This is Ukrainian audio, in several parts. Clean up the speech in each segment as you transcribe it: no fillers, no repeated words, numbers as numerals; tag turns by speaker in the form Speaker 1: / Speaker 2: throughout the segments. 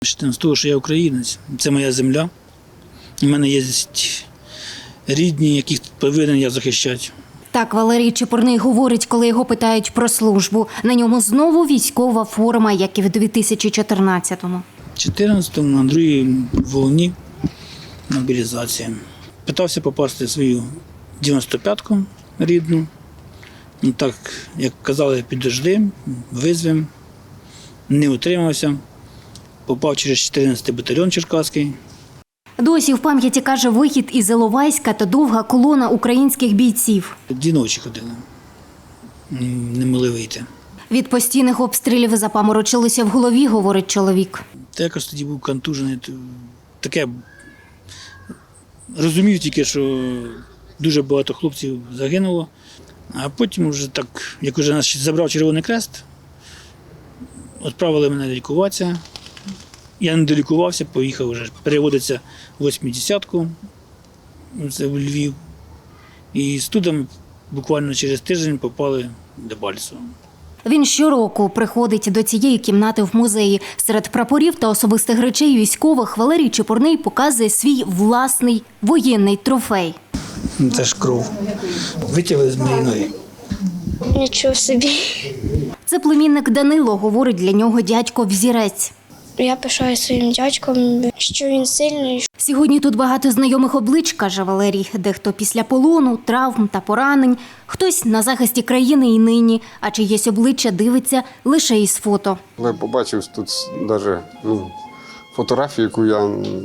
Speaker 1: З того, що я українець, це моя земля. У мене є рідні, яких повинен я захищати.
Speaker 2: Так Валерій Чепурний говорить, коли його питають про службу. На ньому знову військова форма, як і в 2014-му.
Speaker 1: В 14-му на другій волні мобілізації. Питався попасти в свою 95-ку рідну. Ну, так, як казали, підожди, визвем. Не утримався. Попав через 14-й батальйон Черкаський.
Speaker 2: Досі в пам'яті, каже, вихід із Іловайська та довга колона українських бійців.
Speaker 1: 2 ночі ходили, не могли вийти.
Speaker 2: Від постійних обстрілів запаморочилося в голові, говорить чоловік.
Speaker 1: Та якось тоді був контужений. Таке розумів тільки, що дуже багато хлопців загинуло. А потім вже так, як вже нас забрав Червоний Хрест, відправили мене лікуватися. Я не долікувався, поїхав вже. Переводиться в 80-ку, це в Львів. І з туди буквально через тиждень попали в Дебальцево.
Speaker 2: Він щороку приходить до цієї кімнати в музеї. Серед прапорів та особистих речей військових Валерій Чепурний показує свій власний воєнний трофей.
Speaker 1: Це ж кров. Витягли з моєї ноги.
Speaker 3: Нічого собі.
Speaker 2: Це племінник Данило, говорить для нього дядько-взірець.
Speaker 3: Я пишаю своїм дядьком, що він сильний.
Speaker 2: Сьогодні тут багато знайомих облич, каже Валерій. Дехто після полону, травм та поранень, хтось на захисті країни і нині, а чиєсь обличчя дивиться лише із фото.
Speaker 4: Я побачив тут навіть фотографію, яку я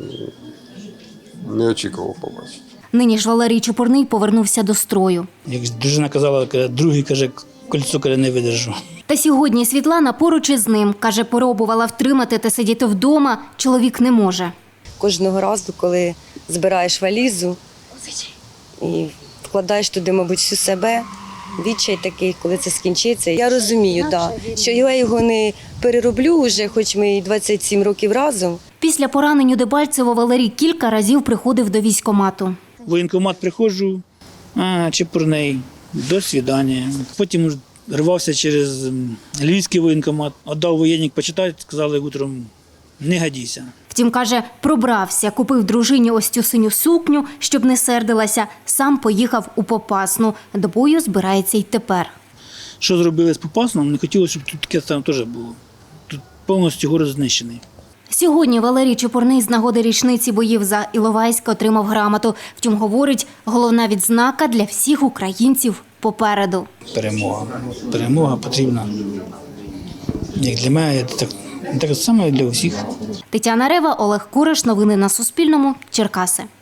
Speaker 4: не очікував побачити.
Speaker 2: Нині ж Валерій Чепурний повернувся до строю.
Speaker 1: Як дружина казала, другий, каже, кольцо не видержу.
Speaker 2: Та сьогодні Світлана поруч із ним. Каже, пробувала втримати та сидіти вдома, чоловік не може.
Speaker 5: Кожного разу, коли збираєш валізу і вкладаєш туди, мабуть, всю себе, відчай такий, коли це скінчиться. Я розумію, що я його не перероблю вже, хоч ми і 27 років разом.
Speaker 2: Після поранень у Дебальцево Валерій кілька разів приходив до військкомату.
Speaker 1: В воєнкомат приходжу, Чепурний, до свидання. Потім рвався через Львівський воєнкомат, віддав воєнник почитати, сказали утром, не годійся.
Speaker 2: Втім, каже, пробрався, купив дружині ось цю синю сукню, щоб не сердилася, сам поїхав у Попасну. До бою збирається й тепер.
Speaker 1: Що зробили з Попасном, не хотілося, щоб тут таке там теж було. Тут повністю город знищений.
Speaker 2: Сьогодні Валерій Чепурний з нагоди річниці боїв за Іловайськ отримав грамоту. Втім, говорить, головна відзнака для всіх українців попереду.
Speaker 1: Перемога. Перемога потрібна. Як для мене, так само і для усіх.
Speaker 2: Тетяна Рева, Олег Кураш. Новини на Суспільному. Черкаси.